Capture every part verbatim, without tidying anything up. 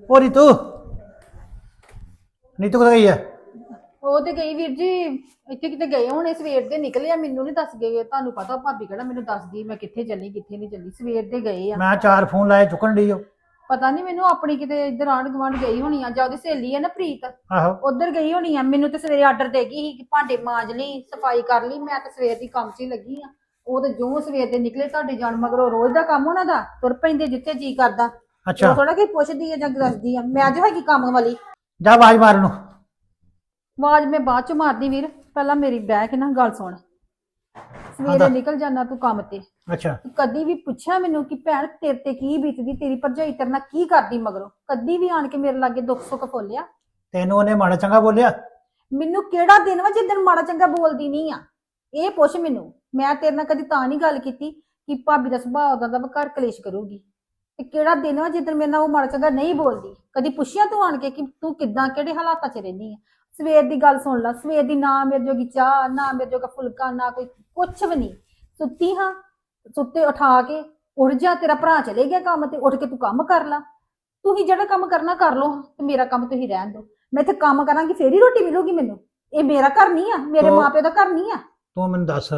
ਉਹ ਨੀਤੂ ਨੀਤੂ ਕਿੱਥੇ ਗਈ ਹੈ? ਉਹ ਤੇ ਗਈ ਵੀਰ ਜੀ, ਇੱਥੇ ਕਿਤੇ ਗਏ ਹੋਣੇ, ਸਵੇਰ ਦੇ ਨਿਕਲੇ ਆ। ਮੈਨੂੰ ਨਹੀਂ ਦੱਸ ਗਏ, ਤੁਹਾਨੂੰ ਪਤਾ ਭਾਬੀ ਕਿਹੜਾ ਮੈਨੂੰ ਦੱਸਦੀ ਮੈਂ ਕਿੱਥੇ ਚੱਲੀ ਕਿੱਥੇ ਨਹੀਂ ਚੱਲੀ। ਸਵੇਰ ਦੇ ਗਏ ਆ। ਮੈਂ ਚਾਰ ਫੋਨ ਲਾਏ, ਚੁੱਕਣ ਡਈ ਉਹ। ਪਤਾ ਨਹੀਂ ਮੈਨੂੰ, ਆਪਣੀ ਕਿਤੇ ਇੱਧਰ ਆਂਢ ਗੁਆਂਢ ਗਈ ਹੋਣੀ ਆ, ਜਾਂ ਉਹਦੀ ਸਹੇਲੀ ਆ ਨਾ ਪ੍ਰੀਤ, ਆਹੋ ਉਧਰ ਗਈ ਹੋਣੀ ਆ। ਮੈਨੂੰ ਤੇ ਸਵੇਰੇ ਆਰਡਰ ਦੇ ਗਈ ਸੀ ਕਿ ਭਾਂਡੇ ਮਾਂਜ ਲਈ, ਸਫਾਈ ਕਰ ਲਈ। ਮੈਂ ਤਾਂ ਸਵੇਰ ਦੀ ਕੰਮ 'ਚ ਹੀ ਲੱਗੀ ਆ। ਉਹ ਤੇ ਜੋ ਸਵੇਰ ਦੇ ਨਿਕਲੇ, ਤੁਹਾਡੇ ਜਾਣ ਮਗਰੋਂ ਰੋਜ਼ ਦਾ ਕੰਮ ਉਹਨਾਂ ਦਾ, ਤੁਰ ਪੈਂਦੇ ਜਿੱਥੇ ਜੀ ਕਰਦਾ। ਅੱਛਾ ਥੋੜਾ ਕਿ ਪੁੱਛਦੀ ਆ ਜਾਂ ਦੱਸਦੀ ਆ, ਮੈਂ ਅੱਜ ਹੈਗੀ ਕੰਮ ਵਾਲੀ। ਜਾ ਆਵਾਜ਼ ਮਾਰ ਨੂੰ। ਆਵਾਜ਼ ਮੈਂ ਬਾਅਦ ਚ ਮਾਰਦੀ ਵੀਰ, ਪਹਿਲਾਂ ਮੇਰੀ ਬਹਿ ਕੇ ਨਾ ਗੱਲ ਸੁਣ। ਸਵੇਰੇ ਨਿਕਲ ਜਾਣਾ ਤੂੰ ਕੰਮ ਤੇ, ਅੱਛਾ ਕਦੀ ਵੀ ਪੁੱਛਿਆ ਮੈਨੂੰ ਕਿ ਭੈਣ ਤੇਰੇ ਤੇ ਕੀ ਬੀਤਦੀ, ਤੇਰੀ ਭਰਜਾਈ ਤੇਰੇ ਨਾਲ ਕੀ ਕਰਦੀ ਮਗਰੋਂ? ਕਦੀ ਵੀ ਆਣ ਕੇ ਮੇਰੇ ਲਾਗੇ ਦੁੱਖ ਸੁੱਖ ਫੋਲਿਆ? ਤੈਨੂੰ ਉਹਨੇ ਮਾੜਾ ਚੰਗਾ ਬੋਲਿਆ? ਮੈਨੂੰ ਕਿਹੜਾ ਦਿਨ ਵਾ ਜਿੱਦਣ ਮਾੜਾ ਚੰਗਾ ਬੋਲਦੀ ਨਹੀਂ ਆ? ਇਹ ਪੁੱਛ ਮੈਨੂੰ। ਮੈਂ ਤੇਰੇ ਨਾਲ ਕਦੀ ਤਾਂ ਨਹੀਂ ਗੱਲ ਕੀਤੀ ਕਿ ਭਾਬੀ ਦਾ ਸੁਭਾਅ ਉਹਦਾ ਦਾ ਘਰ ਕਲੇਸ਼ ਕਰੂਗੀ। ਤੇ ਕਿਹੜਾ ਦਿਨ ਵਾ ਜਿੱਦਣ ਮੇਰੇ ਨਾਲ ਉਹ ਮਾੜਾ ਚੰਗਾ ਨਹੀਂ ਬੋਲਦੀ? ਕਦੀ ਪੁੱਛਿਆ ਤੂੰ ਆਣ ਕੇ ਕਿ ਤੂੰ ਕਿੱਦਾਂ ਕਿਹੜੇ ਹਾਲਾਤਾਂ 'ਚ ਰਹਿੰਦੀ ਆ? ਸਵੇਰ ਦੀ ਗੱਲ ਸੁਣ ਲਾ, ਸਵੇਰ ਦੀ ਨਾ ਮੇਰੇ ਜੋਗੀ ਚਾਹ, ਨਾ ਮੇਰੇ ਜੋਗਾ ਫੁਲਕਾ, ਨਾ ਕੋਈ ਕੁਛ ਵੀ ਨਹੀਂ। ਸੁੱਤੀ ਹਾਂ, ਸੁੱਤੇ ਉਠਾ ਕੇ ਉੱਠ ਜਾ, ਤੇਰਾ ਭਰਾ ਚਲੇ ਗਿਆ ਕੰਮ ਤੇ, ਉੱਠ ਕੇ ਤੂੰ ਕੰਮ ਕਰ ਲਾ। ਤੁਸੀਂ ਜਿਹੜਾ ਕੰਮ ਕਰਨਾ ਕਰ ਲੋ, ਤੇ ਮੇਰਾ ਕੰਮ ਤੁਸੀਂ ਰਹਿਣ ਦਿਓ। ਮੈਂ ਇੱਥੇ ਕੰਮ ਕਰਾਂਗੀ ਫੇਰ ਹੀ ਰੋਟੀ ਮਿਲੂਗੀ ਮੈਨੂੰ। ਇਹ ਮੇਰਾ ਘਰ ਨਹੀਂ ਆ, ਮੇਰੇ ਮਾਪਿਓ ਦਾ ਘਰ ਨਹੀਂ ਆ। ਤੂੰ ਮੈਨੂੰ ਦੱਸ,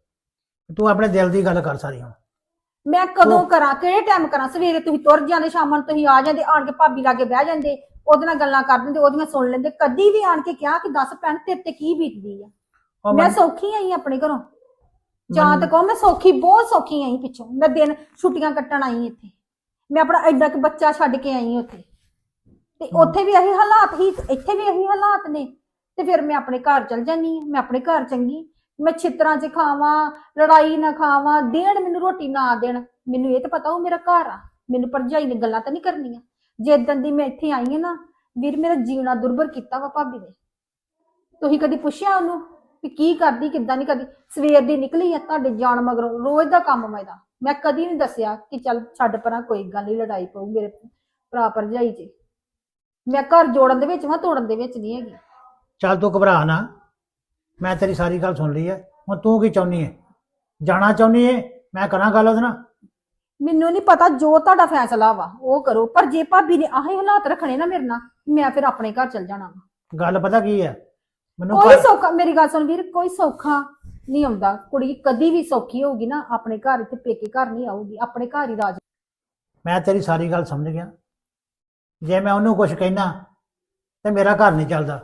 ਤੂੰ ਆਪਣੇ ਦਿਲ ਦੀ ਗੱਲ ਕਰ ਸਾਰੀ ਹੁਣ। ਮੈਂ ਕਦੋਂ ਕਰਾਂ, ਕਿਹੜੇ ਟਾਈਮ ਕਰਾਂ? ਸਵੇਰੇ ਤੁਸੀਂ ਤੁਰ ਜਾਂਦੇ, ਸ਼ਾਮਾਂ ਨੂੰ ਤੁਸੀਂ ਆ ਜਾਂਦੇ, ਆਣ ਕੇ ਭਾਬੀ ਲਾਗੇ ਬਹਿ ਜਾਂਦੇ, ਉਹਦੇ ਨਾਲ ਗੱਲਾਂ ਕਰ ਦਿੰਦੇ, ਉਹਦੀਆਂ ਸੁਣ ਲੈਂਦੇ। ਕਦੀ ਵੀ ਆਣ ਕੇ ਕਿਹਾ ਕਿ ਦੱਸ ਭੈਣ ਤੇਰੇ ਤੇ ਕੀ ਬੀਤਦੀ ਆ? ਮੈਂ ਸੌਖੀ ਆਈ ਆਪਣੇ ਘਰੋਂ, ਜਾਂ ਤੇ ਕਹੋ ਮੈਂ ਸੌਖੀ, ਬਹੁਤ ਸੌਖੀ ਆਈ। ਪਿੱਛੋਂ ਮੈਂ ਦਿਨ ਛੁੱਟੀਆਂ ਕੱਟਣ ਆਈ ਇੱਥੇ। ਮੈਂ ਆਪਣਾ ਐਡਾ ਕਿ ਬੱਚਾ ਛੱਡ ਕੇ ਆਈ ਉੱਥੇ, ਤੇ ਉੱਥੇ ਵੀ ਇਹੀ ਹਾਲਾਤ ਹੀ, ਇੱਥੇ ਵੀ ਇਹੀ ਹਾਲਾਤ ਨੇ। ਤੇ ਫਿਰ ਮੈਂ ਆਪਣੇ ਘਰ ਚਲ ਜਾਂਦੀ ਹਾਂ। ਮੈਂ ਆਪਣੇ ਘਰ ਚੰਗੀ, ਮੈਂ ਛਿੱਤਰਾਂ 'ਚ ਖਾਵਾਂ, ਲੜਾਈ ਨਾ ਖਾਵਾਂ, ਦੇਣ ਮੈਨੂੰ ਰੋਟੀ ਨਾ ਦੇਣ, ਮੈਨੂੰ ਇਹ ਤਾਂ ਪਤਾ ਉਹ ਮੇਰਾ ਘਰ ਆ। ਮੈਨੂੰ ਭਰਜਾਈ ਨੇ ਗੱਲਾਂ ਤਾਂ ਨਹੀਂ ਕਰਨੀਆਂ। ਜਿੱਦਣ ਦੀ ਮੈਂ ਇੱਥੇ ਆਈ ਹਾਂ ਨਾ ਵੀਰ, ਮੇਰਾ ਜੀਣਾ ਦੁਰਭਰ ਕੀਤਾ ਵਾ ਭਾਬੀ ਨੇ। ਤੁਸੀਂ ਕਦੀ ਪੁੱਛਿਆ ਉਹਨੂੰ ਕਿ ਕੀ ਕਰਦੀ ਕਿੱਦਾਂ ਨਹੀਂ ਕਰਦੀ? ਸਵੇਰ ਦੀ ਨਿਕਲੀ ਆ, ਤੁਹਾਡੇ ਜਾਣ ਮਗਰੋਂ ਰੋਜ਼ ਦਾ ਕੰਮ ਮੈਂ ਦਾ। ਮੈਂ ਕਦੀ ਨਹੀਂ ਦੱਸਿਆ ਕਿ ਚੱਲ ਛੱਡ ਪਰਾਂ, ਕੋਈ ਗੱਲ ਨਹੀਂ, ਲੜਾਈ ਪਊ ਮੇਰੇ ਭਰਾ ਭਰਜਾਈ 'ਚ। ਮੈਂ ਘਰ ਜੋੜਨ ਦੇ ਵਿੱਚ ਵਾਂ, ਤੋੜਨ ਦੇ ਵਿੱਚ ਨਹੀਂ ਹੈਗੀ। ਚੱਲ ਤੂੰ ਘਬਰਾ ਨਾ, ਮੈਂ ਤੇਰੀ ਸਾਰੀ ਗੱਲ ਸੁਣ ਲਈ ਹੈ। ਹੁਣ ਤੂੰ ਕੀ ਚਾਹੁੰਦੀ ਹੈ? ਜਾਣਾ ਚਾਹੁੰਦੀ ਹੈ? ਮੈਂ ਕਰਾਂ ਗੱਲ ਉਹਦੇ ਨਾਲ। ਮੈਨੂੰ ਨਹੀਂ ਪਤਾ, ਜੋ ਤੁਹਾਡਾ ਫੈਸਲਾ ਵਾ ਉਹ ਕਰੋ। ਪਰ ਜੇ ਭਾਬੀ ਨੇ ਆਹੇ ਹਾਲਾਤ ਰੱਖਣੇ ਨਾ ਮੇਰੇ ਨਾਲ, ਮੈਂ ਫਿਰ ਆਪਣੇ ਘਰ ਚਲ ਜਾਣਾ ਵਾ। ਗੱਲ ਪਤਾ ਕੀ ਹੈ ਮੈਨੂੰ? ਕੋਈ ਸੌਖਾ, ਮੇਰੀ ਗੱਲ ਸੁਣ ਵੀਰ, ਕੋਈ ਸੌਖਾ ਨਹੀਂ ਆਉਂਦਾ। ਕੁੜੀ ਕਦੀ ਵੀ ਸੌਖੀ ਹੋਊਗੀ ਨਾ ਆਪਣੇ ਘਰ, ਇੱਥੇ ਪੇਕੇ ਘਰ ਨਹੀਂ ਆਊਗੀ, ਆਪਣੇ ਘਰ ਹੀ ਰਾਜ। ਮੈਂ ਤੇਰੀ ਸਾਰੀ ਗੱਲ ਸਮਝ ਗਿਆ। ਜੇ ਮੈਂ ਉਹਨੂੰ ਕੁਝ ਕਹਿਣਾ ਤੇ ਮੇਰਾ ਘਰ ਨਹੀਂ ਚੱਲਦਾ,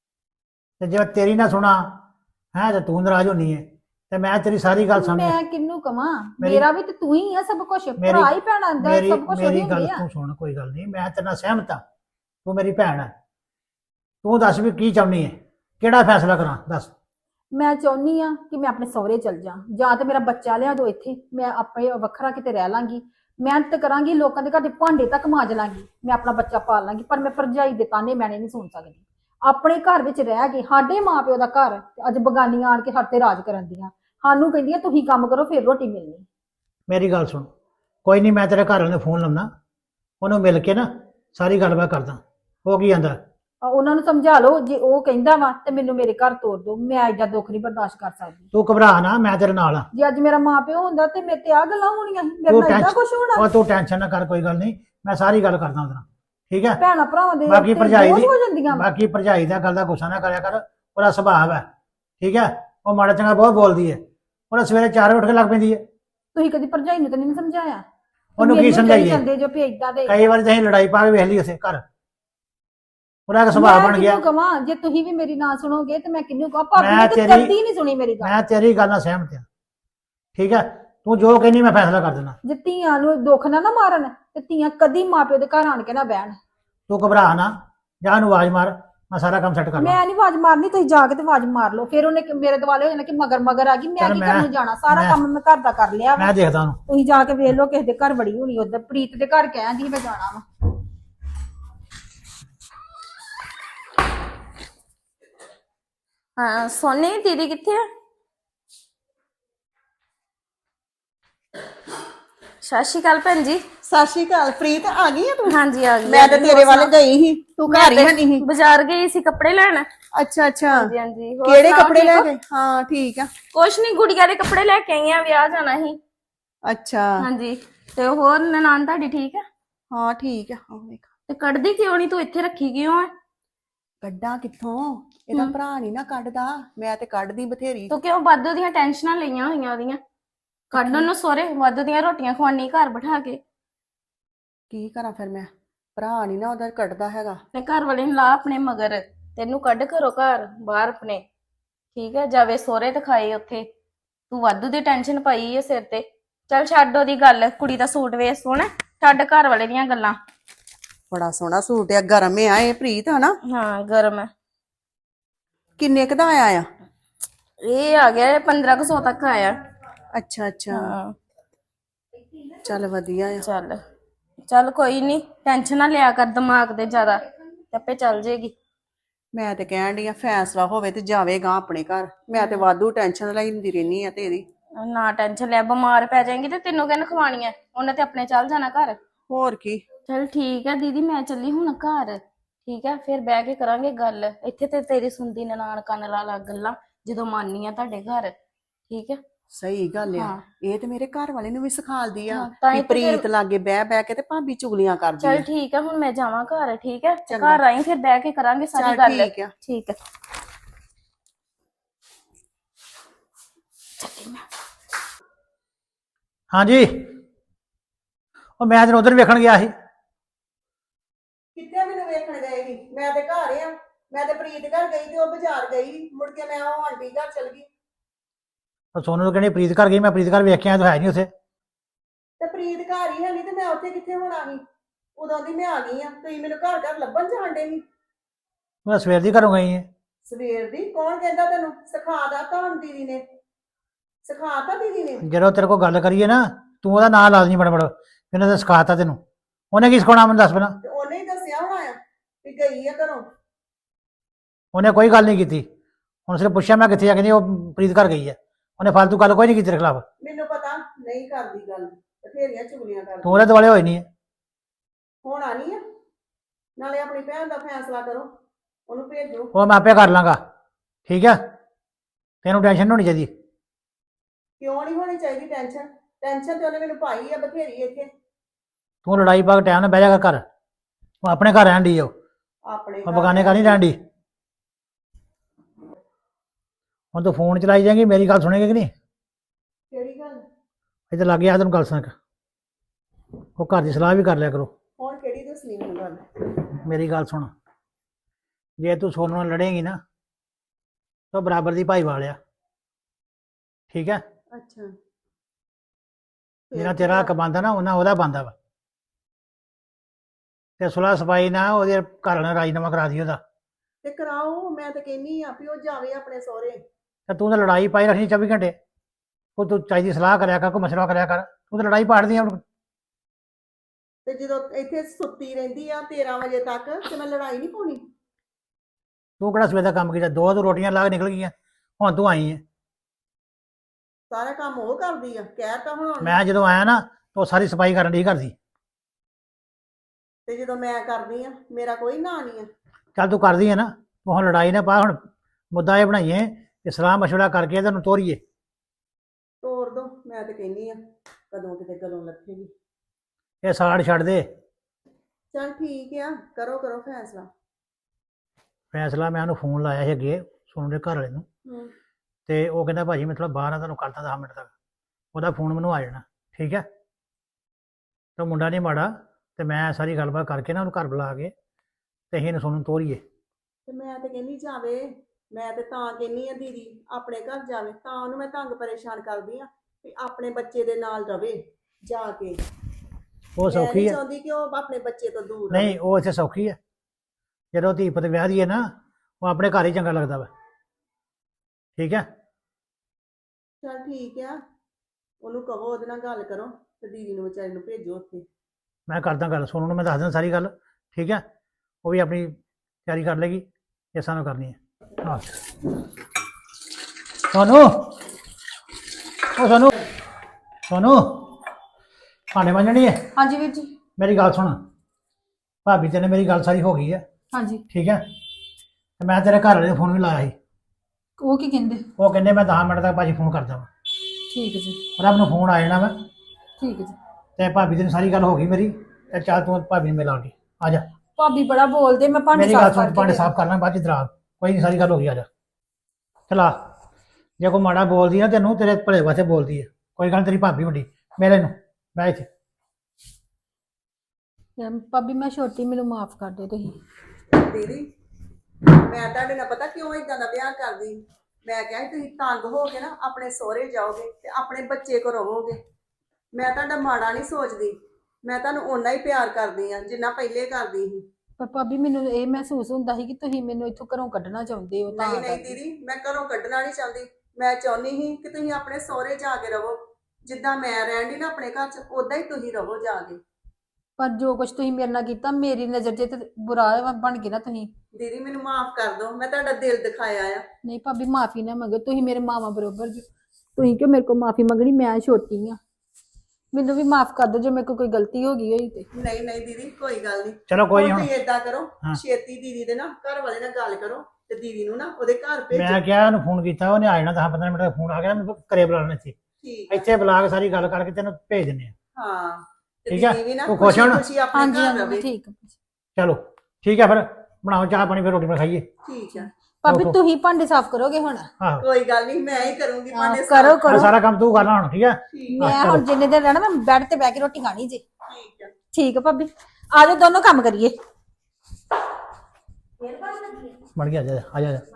ਤੇ ਜੇ ਤੇਰੀ ਨਾ ਸੁਣਾ ਹੈ ਤੇ ਤੂੰ ਨਾਰਾਜ਼ ਹੋਣੀ ਹੈ। ਤੇ ਮੈਂ ਤੇਰੀ ਸਾਰੀ ਗੱਲ ਸਮਝ। ਮੈਂ ਕਿਹਨੂੰ ਕਵਾਂ? ਮੇਰਾ ਵੀ ਤੇ ਤੂੰ ਹੀ ਆ ਸਭ ਕੁਝ, ਭਰਾ ਹੀ ਭੈਣਾਂ ਦਾ ਸਭ ਕੁਝ। ਮੇਰੀ ਗੱਲ ਤੂੰ ਸੁਣ, ਕੋਈ ਗੱਲ ਨਹੀਂ, ਮੈਂ ਤੇਰੇ ਨਾਲ ਸਹਿਮਤ ਹਾਂ, ਤੂੰ ਮੇਰੀ ਭੈਣ ਹੈ। ਤੂੰ ਦੱਸ ਵੀ ਕੀ ਚਾਹੁੰਦੀ ਹੈ, ਕਿਹੜਾ ਫੈਸਲਾ ਕਰਾਂ ਦੱਸ। ਮੈਂ ਚਾਹੁੰਦੀ ਆ ਕਿ ਮੈਂ ਆਪਣੇ ਸਹੁਰੇ ਚਲ ਜਾ, ਜਾਂ ਤੇ ਮੇਰਾ ਬੱਚਾ ਲਿਆ ਦੋ ਇੱਥੇ, ਮੈਂ ਆਪੇ ਵੱਖਰਾ ਕਿਤੇ ਰਹਿ ਲਾਂਗੀ, ਮਿਹਨਤ ਕਰਾਂਗੀ, ਲੋਕਾਂ ਦੇ ਘਰ ਦੇ ਭਾਂਡੇ ਤੱਕ ਮਾਂਜ ਲਾਂਗੀ, ਮੈਂ ਆਪਣਾ ਬੱਚਾ ਪਾਲ ਲਾਂਗੀ। ਪਰ ਮੈਂ ਭਰਜਾਈ ਦੇ ਤਾਨੇ ਮੈਨੇ ਨਹੀਂ ਸੁਣ ਸਕਦੀ। ਆਪਣੇ ਘਰ ਵਿੱਚ ਰਹਿ ਕੇ, ਸਾਡੇ ਮਾਂ ਪਿਓ ਦਾ ਘਰ, ਅੱਜ ਬਗਾਨੀਆਂ ਆਣ ਕੇ ਸਾਡੇ ਤੇ ਰਾਜ ਕਰਨ ਦੀਆਂ, ਸਾਨੂੰ ਕਹਿੰਦੀਆਂ ਤੁਸੀਂ ਕੰਮ ਕਰੋ ਫਿਰ ਰੋਟੀ ਮਿਲਣੀ। ਮੇਰੀ ਗੱਲ ਸੁਣ, ਕੋਈ ਨਹੀਂ, ਮੈਂ ਤੇਰੇ ਘਰ ਵਾਲੇ ਨੂੰ ਫੋਨ ਲਾਉਣਾ, ਉਹਨੂੰ ਮਿਲ ਕੇ ਨਾ ਸਾਰੀ ਗੱਲਬਾਤ ਕਰਦਾ। ਉਹ ਕੀ ਆਂਦਾ ਉਹਨਾਂ ਨੂੰ ਸਮਝਾ ਲਓ। ਜੇ ਉਹ ਕਹਿੰਦਾ ਵਾ ਤੇ ਮੈਨੂੰ ਮੇਰੇ ਘਰ ਤੋਰ ਦਿਓ, ਮੈਂ ਐਡਾ ਦੁੱਖ ਨਹੀਂ ਬਰਦਾਸ਼ਤ ਕਰ ਸਕਦੀ। ਤੂੰ ਘਬਰਾ ਨਾ, ਮੈਂ ਤੇਰੇ ਨਾਲ ਆ। ਜੇ ਅੱਜ ਮੇਰਾ ਮਾਂ ਪਿਓ ਹੁੰਦਾ ਤੇ ਮੇਰੇ ਤੇ ਆ ਗੱਲਾਂ ਹੋਣੀਆਂ ਸੀ, ਮੇਰੇ ਨਾਲ ਏਦਾਂ ਕੁਝ ਹੋਣਾ। ਉਹ ਤੂੰ ਟੈਨਸ਼ਨ ਨਾ ਕਰ, ਕੋਈ ਗੱਲ ਨਹੀਂ, ਮੈਂ ਸਾਰੀ ਗੱਲ ਕਰਦਾ ਉਹਦੇ ਨਾਲ, ਠੀਕ ਹੈ? ਭੈਣਾਂ ਭਰਾਵਾਂ ਦੇ ਬਾਕੀ ਭਰਜਾਈ ਦੀ, ਹੋ ਜਾਂਦੀਆਂ। ਬਾਕੀ ਭਰਜਾਈ ਦਾ ਗੱਲ ਦਾ ਗੁੱਸਾ ਨਾ ਕਰਿਆ ਕਰ, ਉਹਦਾ ਸੁਭਾਅ ਹੈ, ਠੀਕ ਹੈ? ਉਹ ਮਾੜਾ ਚੰਗਾ ਬਹੁਤ ਬੋਲਦੀ ਹੈ, ਉਹਦਾ ਸਵੇਰੇ ਚਾਰ ਵਜੇ ਉੱਠ ਕੇ ਲੱਗ ਪੈਂਦੀ ਹੈ। ਤੁਸੀਂ ਕਦੀ ਭਰਜਾਈ ਨੂੰ ਤਾਂ ਨਹੀਂ ਸਮਝਾਇਆ? ਉਹਨੂੰ ਕੀ ਸਮਝਾਈਏ? ਜਾਂਦੇ ਜੋ ਵੀ ਏਦਾਂ ਦੇ ਕਈ ਵਾਰ ਤੁਸੀਂ ਲੜਾਈ ਪਾ ਕੇ ਵੇਖ ਲਈ ਉਸੇ ਘਰ, ਉਹਦਾ ਇੱਕ ਸੁਭਾਅ ਬਣ ਗਿਆ। ਮੈਂ ਕਹਾਂ ਜੇ ਤੁਸੀਂ ਵੀ ਮੇਰੀ ਨਾ ਸੁਣੋਗੇ ਤੇ ਮੈਂ ਕਿਹਨੂੰ ਕਹਾਂ? ਭਾਬੀ ਨੇ ਤਾਂ ਕਦੀ ਨਹੀਂ ਸੁਣੀ ਮੇਰੀ ਗੱਲ। ਮੈਂ ਤੇਰੀ ਗੱਲ ਨਾਲ ਸਹਿਮਤ ਹਾਂ, ਠੀਕ ਹੈ? ਤੂੰ ਜੋ ਕਹਿੰਦੀ ਮੈਂ ਫੈਸਲਾ ਕਰ ਦੇਣਾ। ਜੇ ਧੀਆਂ ਨੂੰ ਦੁੱਖ ਨਾ ਨਾ ਮਾਰਨ ਤੇ ਧੀਆਂ ਕਦੀ ਮਾਪਿਓ ਦੇ ਘਰ ਆਣ ਕੇ ਨਾ ਬਹਿਣ। ਤੂੰ ਘਬਰਾ ਨਾ, ਜਾ ਉਹਨੂੰ ਆਵਾਜ਼ ਮਾਰ, ਮੈਂ ਸਾਰਾ ਕੰਮ ਸੈੱਟ ਕਰ ਲਾਂ। ਮੈਂ ਨਹੀਂ ਆਵਾਜ਼ ਮਾਰਨੀ, ਤੁਸੀਂ ਜਾ ਕੇ ਤੇ ਆਵਾਜ਼ ਮਾਰ ਲਓ। ਫਿਰ ਉਹਨੇ ਮੇਰੇ ਦੁਆਲੇ ਹੋ ਜਾਣਾ ਕਿ ਮਗਰ ਮਗਰ ਆ ਗਈ, ਮੈਂ ਕੀ ਕਰਨ ਨੂੰ ਜਾਣਾ? ਸਾਰਾ ਕੰਮ ਮੈਂ ਘਰ ਦਾ ਕਰ ਲਿਆ। ਮੈਂ ਦੇਖਦਾ ਉਹਨੂੰ, ਤੁਸੀਂ ਜਾ ਕੇ ਵੇਖ ਲਓ, ਕਿਸੇ ਦੇ ਘਰ ਵੜੀ ਹੋਣੀ, ਉਧਰ ਪ੍ਰੀਤ ਦੇ ਘਰ ਕਹਿੰਦੀ ਮੈਂ ਜਾਣਾ ਵਾ। ਹਾਂ ਸੋਨੀ ਦੀਦੀ ਕਿੱਥੇ ਆ? ਸਤਿ ਸ਼੍ਰੀ ਅਕਾਲ ਭੈਣ ਜੀ। ਸਤਿ ਸ਼੍ਰੀ ਅਕਾਲ ਪ੍ਰੀਤ, ਆ ਗਈ ਆ ਤੂੰ? ਹਾਂਜੀ ਆ ਗਈ। ਮੈਂ ਤਾਂ ਤੇਰੇ ਵੱਲ ਗਈ ਸੀ, ਤੂੰ ਘਰ ਹੀ ਨਹੀਂ ਸੀ। ਬਾਜ਼ਾਰ ਗਈ ਸੀ ਕੱਪੜੇ ਲੈਣ। ਅੱਛਾ ਅੱਛਾ, ਹਾਂਜੀ ਹਾਂਜੀ। ਹੋਰ ਕਿਹੜੇ ਸੁਣਾਓ, ਕੱਪੜੇ ਠੀਕ ਲੈ ਹੋ? ਗਏ? ਹਾਂ ਠੀਕ ਆ। ਕੁਛ ਨਹੀਂ, ਗੁੜੀਆ ਦੇ ਕੱਪੜੇ ਲੈ ਕੇ ਆਈ ਆ, ਵਿਆਹ ਜਾਣਾ ਸੀ। ਅੱਛਾ ਹਾਂਜੀ, ਤੇ ਹੋਰ ਨਨਾਣ ਤੁਹਾਡੀ ਠੀਕ ਆ? ਹਾਂ ਠੀਕ ਆ। ਆਹ ਵੇਖ, ਤੇ ਕੱਢਦੀ ਕਿਉਂ ਨਹੀਂ? ਤੂੰ ਇੱਥੇ ਰੱਖੀ ਕਿਉਂ ਹੈ? ਕੱਢਾਂ ਕਿੱਥੋਂ? ਇਹਦਾ ਭਰਾ ਨਹੀਂ ਨਾ ਕੱਢਦਾ, ਮੈਂ ਤੇ ਕੱਢਦੀ ਬਥੇਰੀ। ਤੂੰ ਕਿਉਂ ਵਾਧੂ ਦੀਆਂ ਟੈਨਸ਼ਨਾਂ ਲਈਆਂ ਹੋਈਆਂ ਉਹਦੀਆਂ? ਕੱਢ ਉਹਨੂੰ ਸੋਰੇ, ਵਾਧੂ ਦੀਆਂ ਰੋਟੀਆਂ ਖਵਾਉਣੀ ਘਰ ਬਿਠਾ ਕੇ। ਕੀ ਕਰਾਂ ਫਿਰ ਮੈਂ? ਭਰਾ ਨਹੀਂ ਨਾ ਉਹਦਾ ਕੱਢਦਾ ਹੈਗਾ। ਤੇ ਘਰ ਵਾਲੇ ਨੂੰ ਲਾ ਆਪਣੇ ਮਗਰ, ਤੈਨੂੰ ਕੱਢ ਘਰੋਂ ਘਰ ਬਾਹਰ ਆਪਣੇ, ਠੀਕ ਹੈ? ਜਾਵੇ ਸੋਰੇ ਤੇ ਖਾਏ ਉੱਥੇ। ਤੂੰ ਵਾਧੂ ਦੀ ਟੈਨਸ਼ਨ ਪਾਈ ਹੈ ਸਿਰ ਤੇ। ਚੱਲ ਛੱਡ ਉਹਦੀ ਗੱਲ, ਕੁੜੀ ਦਾ ਸੂਟ ਵੇਖ ਸੋਹਣਾ, ਛੱਡ ਘਰ ਵਾਲੇ ਦੀਆਂ ਗੱਲਾਂ। ਬੜਾ ਸੋਹਣਾ ਸੂਟ ਆ, ਗਰਮ ਆ ਇਹ ਪ੍ਰੀਤ, ਹਨਾ? ਹਾਂ ਗਰਮ ਹੈ। ਕਿੰਨੇ ਕੁ ਦਾ ਆਇਆ ਆ? ਇਹ ਆ ਗਿਆ ਪੰਦਰਾਂ ਕੁ ਸੌ ਤੱਕ ਆਇਆ। ਅੱਛਾ ਅੱਛਾ, ਹਾਂ ਚੱਲ ਵਧੀਆ ਆ। ਚੱਲ ਚੱਲ ਕੋਈ ਨਹੀਂ, ਟੈਨਸ਼ਨ ਨਾ ਲਿਆ ਕਰ ਦਿਮਾਗ ਤੇ ਜ਼ਿਆਦਾ, ਤੇ ਆਪੇ ਚੱਲ ਜੇਗੀ। ਮੈਂ ਤੇ ਕਹਿਣ ਡਈ ਆ ਫੈਸਲਾ ਹੋਵੇ ਤੇ ਜਾਵੇਗਾ ਆਪਣੇ ਘਰ। ਮੈਂ ਤੇ ਵਾਧੂ ਟੈਨਸ਼ਨ ਲੈਂਦੀ ਰਹਿਨੀ ਆ ਤੇਰੀ। ਨਾ ਟੈਨਸ਼ਨ ਲੈ, ਬਿਮਾਰ ਪੈ ਜਾਏਗੀ ਤੇ ਤੈਨੂੰ ਕਿਹਨੇ ਖਵਾਣੀ ਹੈ? ਉਹਨੇ ਤੇ ਆਪਣੇ ਚੱਲ ਜਾਣਾ ਘਰ। ਹੋਰ ਕੀ। ਚਲ ਠੀਕ ਹੈ ਦੀਦੀ, ਮੈਂ ਚੱਲੀ ਹੁਣ ਘਰ, ਠੀਕ ਹੈ? ਫਿਰ ਬਹਿ ਕੇ ਕਰਾਂਗੇ ਗੱਲ। ਇੱਥੇ ਤੇ ਤੇਰੀ ਸੁਣਦੀ ਨਨਾਣ ਕੰਨ ਲਾ ਲਾ ਗੱਲਾਂ, ਜਦੋਂ ਮਾਨੀ ਆ ਤੁਹਾਡੇ ਘਰ, ਠੀਕ ਹੈ? ਸਹੀ ਗੱਲ ਆ। ਹਾਂ। ਇਹ ਤੇ ਮੇਰੇ ਘਰ ਵਾਲੇ ਨੂੰ ਵੀ ਸਿਖਾਲਦੀ ਆ ਹਾਂ, ਤਾਂ ਹੀ ਕਿ ਤੇ ਫਿਰ- ਪ੍ਰੀਤ ਲਾਗੇ ਬਹਿ ਬਹਿ ਕੇ ਤੇ ਭਾਬੀ ਚੁਗਲੀਆਂ ਕਰਦੀ ਚਲ ਆ। ਠੀਕ ਹੈ, ਹੁਣ ਮੈਂ ਜਾਵਾਂ ਘਰ, ਠੀਕ ਹੈ? ਤੇ ਚੰਗਾ। ਘਰ ਆਈ ਫਿਰ ਬਹਿ ਕੇ ਕਰਾਂਗੇ ਸਾਰੀ ਚੱਲ ਗੱਲ। ਠੀਕ ਆ। ਠੀਕ ਹੈ। ਚੱਲੀ ਮੈਂ। ਹਾਂਜੀ, ਉਹ ਮੈਂ ਤੈਨੂੰ ਉਧਰ ਵੇਖਣ ਗਿਆ ਸੀ। ਕਿੱਥੇ ਮੈਨੂੰ ਵੇਖਣ ਗਏ ਸੀ? ਮੈਂ ਤੇ ਘਰ ਆ। ਮੈਂ ਤੇ ਪ੍ਰੀਤ ਘਰ ਗਈ ਤੇ ਉਹ ਬਾਜ਼ਾਰ ਗਈ, ਮੁੜ ਕੇ ਮੈਂ ਉਹ ਆਂਟੀ ਘਰ ਚਲ ਗਈ। ਉਹ ਸੋਨੂੰ ਨੂੰ ਕਹਿੰਦੀ ਪ੍ਰੀਤ ਘਰ ਗਈ, ਮੈਂ ਪ੍ਰੀਤ ਘਰ ਵੇਖ ਕੇ ਆਇਆ, ਤੂੰ ਹੈ ਨਹੀਂ ਉੱਥੇ। ਤੇ ਪ੍ਰੀਤ ਘਰ ਹੀ ਹੈ ਨਹੀਂ ਤੇ ਮੈਂ ਉੱਥੇ ਕਿੱਥੇ ਹੋਣਾ ਸੀ? ਉਦੋਂ ਦੀ ਮੈਂ ਆ ਗਈ ਆ, ਤੁਸੀਂ ਮੈਨੂੰ ਘਰ ਘਰ ਲੱਭਣ ਜਾਣਦੇ ਸੀ। ਮੈਂ ਸਵੇਰ ਦੀ ਘਰੋਂ ਗਈ ਹੈ। ਸਵੇਰ ਦੀ? ਕੌਣ ਕਹਿੰਦਾ ਤੈਨੂੰ? ਸਿਖਾਦਾ ਤੁਹਾਨੂੰ ਦੀਦੀ ਨੇ, ਸਿਖਾਤਾ ਦੀਦੀ ਨੇ। ਜਦੋਂ ਤੇਰੇ ਕੋਲ ਗੱਲ ਕਰੀਏ ਨਾ, ਤੂੰ ਉਹਦਾ ਨਾਂ ਲਾ ਨਹੀਂ ਬੜ ਬੜ, ਇਹਨੇ ਤਾਂ ਸਿਖਾਤਾ ਤੈਨੂੰ। ਉਹਨੇ ਕੀ ਸਿਖਾਉਣਾ ਮੈਨੂੰ ਦੱਸ ਪਹਿਲਾਂ। ਤੇ ਉਹਨੇ ਹੀ ਦੱਸਿਆ ਹੋਣਾ ਆ ਵੀ ਗਈ ਆ ਘਰੋਂ। ਉਹਨੇ ਕੋਈ ਗੱਲ ਨਹੀਂ ਕੀਤੀ। ਹੁਣ ਸਿਰਫ ਪੁੱਛਿਆ ਮੈਂ ਕਿੱਥੇ ਆ, ਕਹਿੰਦੀ ਉਹ ਪ੍ਰੀਤ ਘਰ ਗਈ ਹੈ। ਉਹਨੇ ਫालतू ਗੱਲ ਕੋਈ ਨਹੀਂ ਕੀਤੀ ਤੇਰੇ ਖਿਲਾਫ। ਮੈਨੂੰ ਪਤਾ ਨਹੀਂ ਕਰਦੀ ਗੱਲ, ਬਥੇਰੀਆਂ ਚੁਗਲੀਆਂ ਕਰਦੀ। ਤੂੰ ਉਹਦੇ ਦੁਆਲੇ ਹੋਈ ਨਹੀਂ ਹੈ। ਹੋਣਾ ਨਹੀਂ ਆ। ਨਾਲੇ ਆਪਣੀ ਭੈਣ ਦਾ ਫੈਸਲਾ ਕਰੋ, ਉਹਨੂੰ ਭੇਜੋ। ਉਹ ਮੈਂ ਆਪੇ ਕਰ ਲਾਂਗਾ, ਠੀਕ ਹੈ? ਤੈਨੂੰ ਟੈਨਸ਼ਨ ਨਹੀਂ ਹੋਣੀ ਚਾਹੀਦੀ। ਕਿਉਂ ਨਹੀਂ ਹੋਣੀ ਚਾਹੀਦੀ ਟੈਨਸ਼ਨ? ਟੈਨਸ਼ਨ ਤੇ ਉਹਨੇ ਮੈਨੂੰ ਪਾਈ ਆ ਬਥੇਰੀ ਇੱਥੇ। ਤੂੰ ਲੜਾਈ ਪਾ ਕੇ ਟਾਈਮ ਨਾਲ ਬਹਿ ਜਾ ਕਰ ਘਰ। ਉਹ ਆਪਣੇ ਘਰ ਰਹਿਣ ਦੀ ਉਹ ਆਪਣੇ ਉਹ ਬਗਾਨੇ ਘਰ ਨਹੀਂ ਰਹਿਣ ਦੀ। ਹੁਣ ਤੂੰ ਫੋਨ ਚਲਾਈ ਜਾਏਂਗੀ, ਮੇਰੀ ਗੱਲ ਸੁਣੇਗੀ ਕਿ ਨਹੀਂ? ਕਿਹੜੀ ਗੱਲ? ਇੱਥੇ ਲੱਗ ਗਿਆ ਤੈਨੂੰ ਗੱਲ ਸੁਣ ਕੇ। ਉਹ ਘਰ ਦੀ ਸਲਾਹ ਵੀ ਕਰ ਲਿਆ ਕਰੋ। ਹੁਣ ਕਿਹੜੀ ਦੱਸਣੀ ਮੈਨੂੰ ਗੱਲ? ਮੇਰੀ ਗੱਲ ਸੁਣ, ਜੇ ਤੂੰ ਸੋਨੂੰ ਨਾਲ ਲੜੇਂਗੀ ਨਾ ਤਾਂ ਬਰਾਬਰ ਦੀ ਭਾਈਵਾਲ ਆ, ਠੀਕ ਹੈ? ਅੱਛਾ, ਜਿੰਨਾ ਤੇਰਾ ਹੱਕ ਬਣਦਾ ਨਾ ਉਹਨਾਂ ਉਹਦਾ ਬਣਦਾ ਵਾ। ਤੇ ਸੁਲ੍ਹਾ ਸਫਾਈ ਨਾ ਉਹਦੇ ਘਰ ਨਾਲ ਰਾਜੀਨਾਮਾ ਕਰਾ ਦੀ ਉਹਦਾ। ਤੇ ਕਰਾਓ। ਮੈਂ ਤੇ ਕਹਿੰਨੀ ਆ ਵੀ ਉਹ ਜਾਵੇ ਆਪਣੇ ਸਹੁਰੇ। ਤੇ ਤੂੰ ਤਾਂ ਲੜਾਈ ਪਾਈ ਰੱਖਣੀ ਚੌਵੀ ਘੰਟੇ। ਉਹ ਤੂੰ ਚਾਹੀਦੀ ਸਲਾਹ ਕਰਿਆ ਕਰ, ਕੋਈ ਮਸਲਾ ਕਰਿਆ ਕਰ। ਤੂੰ ਤਾਂ ਲੜਾਈ ਪਾੜਦੀ ਆ। ਤੇ ਜਦੋਂ ਇੱਥੇ ਸੁੱਤੀ ਰਹਿੰਦੀ ਆ ਤੇਰਾਂ ਵਜੇ ਤੱਕ, ਤੇ ਮੈਂ ਲੜਾਈ ਨਹੀਂ ਪਾਉਣੀ? ਤੂੰ ਕਿਹੜਾ ਸਵੇਰ ਦਾ ਕੰਮ ਕੀਤਾ? ਦੋ ਦੋ ਰੋਟੀਆਂ ਲਾ ਕੇ ਨਿਕਲ ਗਈਆਂ, ਹੁਣ ਤੂੰ ਆਈ ਹੈ। ਸਾਰਾ ਕੰਮ ਉਹ ਕਰਦੀ ਆ, ਕਹਿ ਤਾ ਹੁਣ ਉਹਨੇ। ਮੈਂ ਜਦੋਂ ਆਇਆ ਨਾ ਤਾਂ ਉਹ ਸਾਰੀ ਸਫਾਈ ਕਰਨ ਦੀ ਕਰਦੀ। ਤੇ ਜਦੋਂ ਮੈਂ ਕਰਦੀ ਆ ਮੇਰਾ ਕੋਈ ਨਾਂ ਨਹੀਂ ਆ। ਚੱਲ ਤੂੰ ਕਰਦੀ ਹੈ ਨਾ, ਤੂੰ ਹੁਣ ਲੜਾਈ ਨਾ ਪਾ। ਹੁਣ ਮੁੱਦਾ ਇਹ ਬਣਾਈਏ ਕਿ ਸਲਾਹ ਮਸ਼ਵਰਾ ਕਰਕੇ ਤੈਨੂੰ ਤੋਰੀਏ। ਤੋੜ ਦੋ। ਮੈਂ ਤੇ ਕਹਿੰਨੀ ਆ ਕਦੋਂ ਕਿਤੇ ਗਲੋਂ ਲੱਥੇਗੀ। ਇਹ ਸਾੜ ਛੱਡ ਦੇ। ਚੱਲ ਠੀਕ ਆ, ਕਰੋ ਕਰੋ ਫੈਸਲਾ। ਫੈਸਲਾ ਮੈਂ ਉਹਨੂੰ ਫੋਨ ਲਾਇਆ ਸੀ ਅੱਗੇ, ਸੋਨੂੰ ਦੇ ਘਰ ਵਾਲੇ ਨੂੰ, ਹੂੰ। ਤੇ ਉਹ ਕਹਿੰਦਾ ਭਾਜੀ ਮੈਂ ਥੋੜ੍ਹਾ ਬਾਹਰ ਆ, ਤੁਹਾਨੂੰ ਕਰਦਾ ਦਸ ਮਿੰਟ ਤੱਕ। ਉਹਦਾ ਫੋਨ ਮੈਨੂੰ ਆ ਜਾਣਾ, ਠੀਕ ਹੈ? ਤੇ ਉਹ ਮੁੰਡਾ ਨਹੀਂ ਮਾੜਾ, ਤੇ ਮੈਂ ਸਾਰੀ ਗੱਲਬਾਤ ਕਰਕੇ ਨਾ ਉਹਨੂੰ ਘਰ ਬੁਲਾ ਕੇ ਤੇ ਅਸੀਂ ਇਹਨੂੰ ਸੋਨੂੰ ਤੋਰੀਏ। ਤੇ ਮੈਂ ਤੇ ਕਹਿੰਨੀ ਜਾਵੇ। ਮੈਂ ਤੇ ਤਾਂ ਕਹਿੰਨੀ ਆ ਦੀਦੀ ਆਪਣੇ ਘਰ ਜਾਵੇ, ਤਾਂ ਉਹਨੂੰ ਮੈਂ ਤੰਗ ਪਰੇਸ਼ਾਨ ਕਰਦੀ ਆ ਵੀ ਆਪਣੇ ਬੱਚੇ ਦੇ ਨਾਲ ਰਵੇ ਜਾ ਕੇ। ਉਹ ਮੈਂ ਸੌਖੀ ਨਹੀਂ ਹੈ? ਚਾਹੁੰਦੀ ਕਿ ਉਹ ਆਪਣੇ ਬੱਚੇ ਤੋਂ ਦੂਰ ਨਹੀਂ, ਰਹੇ। ਉਹ ਇੱਥੇ ਸੌਖੀ ਹੈ। ਜਦੋਂ ਧੀ ਪੁੱਤ ਵਿਆਹ ਦੀ ਹੈ ਨਾ, ਉਹ ਆਪਣੇ ਘਰ ਹੀ ਚੰਗਾ ਲੱਗਦਾ ਵਾ, ਠੀਕ ਹੈ? ਚੱਲ ਠੀਕ ਆ, ਉਹਨੂੰ ਕਹੋ ਉਹਦੇ ਨਾਲ ਗੱਲ ਕਰੋ ਤੇ ਦੀਦੀ ਨੂੰ ਵਿਚਾਰੀ ਨੂੰ ਭੇਜੋ ਉੱਥੇ। ਮੈਂ ਕਰਦਾ ਗੱਲ, ਸੋਨੂੰ ਨੂੰ ਮੈਂ ਦੱਸ ਦਿੰਦਾ ਸਾਰੀ ਗੱਲ, ਠੀਕ ਹੈ? ਉਹ ਵੀ ਆਪਣੀ ਤਿਆਰੀ ਕਰ ਲੇਗੀ ਜਿਸ ਤਰ੍ਹਾਂ ਕਰਨੀ ਹੈ। ਹਾਂ ਸੋਨੂੰ, ਉਹ ਸੋਨੂੰ, ਸੋਨੂੰ ਭਾਂਡੇ ਮਾਂਜਣੀ ਹੈ? ਹਾਂਜੀ ਵੀਰ ਜੀ। ਮੇਰੀ ਗੱਲ ਸੁਣ, ਭਾਬੀ ਤੇਰੇ ਮੇਰੀ ਗੱਲ ਸਾਰੀ ਹੋ ਗਈ ਹੈ, ਹਾਂਜੀ। ਠੀਕ ਹੈ? ਤੇ ਮੈਂ ਤੇਰੇ ਘਰ ਵਾਲੇ ਨੂੰ ਫੋਨ ਵੀ ਲਾਇਆ ਸੀ। ਉਹ ਕੀ ਕਹਿੰਦੇ? ਉਹ ਕਹਿੰਦੇ ਮੈਂ ਦਸ ਮਿੰਟ ਤੱਕ ਭਾਜੀ ਫੋਨ ਕਰਦਾ ਵਾ। ਠੀਕ ਹੈ ਜੀ। ਰੱਬ ਨੂੰ ਫੋਨ ਆ ਜਾਣਾ ਵਾ। ਠੀਕ ਹੈ ਜੀ। ਤੇ ਭਾਬੀ ਤੈਨੂੰ ਸਾਰੀ ਗੱਲ ਹੋ ਗਈ ਮੇਰੀ, ਤੇ ਚੱਲ ਤੂੰ ਭਾਬੀ ਨੂੰ ਮਿਲਾ ਕੇ ਆ ਜਾ। ਭਾਬੀ ਬੜਾ ਬੋਲਦੇ, ਮੈਂ ਭਾਂਡੇ ਮੇਰੀ ਗੱਲ ਸਾਫ਼ ਸੁਣ, ਕਰਕੇ ਭਾਂਡੇ ਦੇ- ਸਾਫ਼ ਕਰਨਾ ਬਾਅਦ ਚ ਦਰਾ, ਕੋਈ ਨਹੀਂ, ਸਾਰੀ ਗੱਲ ਹੋ ਗਈ, ਆ ਜਾ ਚਲਾ। ਜੇ ਕੋਈ ਮਾੜਾ ਬੋਲਦੀ ਆ ਤੈਨੂੰ, ਤੇਰੇ ਭਲੇ ਵਾਸਤੇ ਬੋਲਦੀ ਹੈ, ਕੋਈ ਗੱਲ ਨੀ, ਤੇਰੀ ਭਾਬੀ ਵੱਡੀ ਮੇਰੇ ਨੂੰ ਬਹਿ ਇੱਥੇ। ਭਾਬੀ ਮੈਂ ਛੋਟੀ, ਮੈਨੂੰ ਮਾਫ ਕਰ ਦਿਓ ਤੁਸੀਂ। ਦੀਦੀ ਮੈਂ ਤੁਹਾਡੇ ਨਾਲ ਪਤਾ ਕਿਉਂ ਇਦਾਂ ਦਾ ਵਿਆਹ ਕਰਦੀ, ਮੈਂ ਕਿਹਾ ਸੀ ਤੁਸੀਂ ਤੰਗ ਹੋ ਕੇ ਨਾ ਆਪਣੇ ਸਹੁਰੇ ਜਾਓਗੇ ਤੇ ਆਪਣੇ ਬੱਚੇ ਕੋ ਰਹੋਗੇ। ਮੈਂ ਤੁਹਾਡਾ ਮਾੜਾ ਨਹੀਂ ਸੋਚਦੀ, ਮੈਂ ਤੁਹਾਨੂੰ ਓਨਾ ਹੀ ਪਿਆਰ ਕਰਦੀ ਆ ਜਿੰਨਾ ਪਹਿਲੇ ਕਰਦੀ ਸੀ। ਪਰ ਭਾਬੀ ਮੈਨੂੰ ਇਹ ਮਹਿਸੂਸ ਹੁੰਦਾ ਸੀ ਕਿ ਤੁਸੀਂ ਮੈਨੂੰ ਇੱਥੋਂ ਘਰੋਂ ਕੱਢਣਾ ਚਾਹੁੰਦੇ ਹੋ, ਤਾਂ ਨਹੀਂ ਨਹੀਂ ਕਰਕੇ। ਦੀਦੀ, ਮੈਂ ਘਰੋਂ ਕੱਢਣਾ ਨਹੀਂ ਚਾਹੁੰਦੀ, ਮੈਂ ਚਾਹੁੰਦੀ ਸੀ ਕਿ ਤੁਸੀਂ ਆਪਣੇ ਸਹੁਰੇ ਜਾ ਕੇ ਰਹੋ, ਜਿੱਦਾਂ ਮੈਂ ਰਹਿਣ ਦੀ ਨਾ ਆਪਣੇ ਘਰ 'ਚ, ਉਦਾਂ ਹੀ ਤੁਸੀਂ ਰਹੋ ਜਾ ਕੇ। ਪਰ ਜੋ ਕੁਝ ਤੁਸੀਂ ਮੇਰੇ ਨਾਲ ਕੀਤਾ, ਮੇਰੀ ਨਜ਼ਰ 'ਚ ਤੇ ਬੁਰਾ ਬਣ ਗਏ ਨਾ ਤੁਸੀਂ। ਦੀਦੀ ਮੈਨੂੰ ਮਾਫ ਕਰ ਦਿਓ, ਮੈਂ ਤੁਹਾਡਾ ਦਿਲ ਦਿਖਾਇਆ ਆ। ਨਹੀਂ ਭਾਬੀ, ਮਾਫੀ ਨਾ ਮੰਗੋ, ਤੁਸੀਂ ਮੇਰੇ ਮਾਵਾ ਬਰੋਬਰ ਜੀ, ਤੁਸੀਂ ਕਿਉਂ ਮੇਰੇ ਕੋਲ ਮਾਫੀ ਮੰਗਣੀ, ਮੈਂ ਛੋਟੀ ਆ, ਮੈਨੂੰ ਵੀ ਮਾਫ ਕਰ ਦਿਓ ਜੇ ਮੇਰੇ ਕੋਲ ਕੋਈ ਗਲਤੀ ਹੋ ਗਈ ਹੋਈ ਤੇ। ਨਹੀਂ ਨਹੀਂ ਦੀਦੀ, ਕੋਈ ਗੱਲ ਨਹੀਂ। ਚਲੋ ਕੋਈ ਨੀ, ਹੁਣ ਤੁਸੀਂ ਏਦਾਂ ਕਰੋ, ਹਾਂ। ਛੇਤੀ ਦੀਦੀ ਦੇ ਨਾ ਘਰ ਵਾਲੇ ਨਾਲ ਗੱਲ ਕਰੋ ਤੇ ਦੀਦੀ ਨੂੰ ਨਾ ਉਹਦੇ ਘਰ ਭੇਜੋ। ਮੈਂ ਕਿਹਾ ਉਹਨੂੰ ਫੋਨ ਕੀਤਾ, ਉਹਨੇ ਆ ਜਾਣਾ ਦਸ ਪੰਦਰਾਂ ਮਿੰਟ ਦਾ, ਫੋਨ ਆ ਗਿਆ, ਮੈਨੂੰ ਘਰੇ ਬੁਲਾ ਲੈਣਾ ਇੱਥੇ, ਠੀਕ ਆ। ਇੱਥੇ ਬੁਲਾ ਕੇ ਸਾਰੀ ਗੱਲ ਕਰਕੇ ਤੈਨੂੰ ਭੇਜ ਦਿੰਦੇ ਆ। ਹਾਂ ਤੇ ਠੀਕ ਆ? ਦੀਦੀ ਵੀ ਨਾ ਤੂੰ ਖੁਸ਼ ਆ ਨਾ? ਖੁਸ਼ੀ ਆਪਣੇ ਹਾਂਜੀ ਘਰ ਹਾਂਜੀ ਰਵੇ। ਠੀਕ ਆ। ਚਲੋ ਠੀਕ ਹੈ, ਫਿਰ ਬਣਾਓ ਚਾਹ ਪਾਣੀ, ਫਿਰ ਰੋਟੀ ਮੈਂ ਖਾਈਏ। ਠੀਕ ਆ, ਭਾਬੀ ਓਹੋ। ਤੁਸੀਂ ਭਾਂਡੇ ਸਾਫ਼ ਕਰੋਗੇ ਹੁਣ? ਆਹੋ ਕੋਈ ਗੱਲ ਨਹੀਂ, ਮੈਂ ਹੀ ਕਰੂੰਗੀ ਹਾਂ, ਭਾਂਡੇ ਕਰੋ ਸਾਫ਼। ਆਹ ਕਰੋ। ਸਾਰਾ ਕੰਮ ਤੂੰ ਕਰਨਾ ਹੁਣ, ਠੀਕ ਹੈ? ਠੀਕ ਮੈਂ ਚਲੋ। ਹੁਣ ਜਿੰਨੇ ਦਿਨ ਰਹਿਣਾ, ਮੈਂ ਬੈੱਡ ਤੇ ਬਹਿ ਕੇ ਰੋਟੀ ਖਾਣੀ ਜੀ। ਠੀਕ ਆ। ਠੀਕ ਆ ਭਾਬੀ, ਆ ਜਾਓ ਦੋਨੋਂ ਕੰਮ ਕਰੀਏ। ਬਣ ਗਿਆ, ਆ ਜਾ ਆ ਜਾ।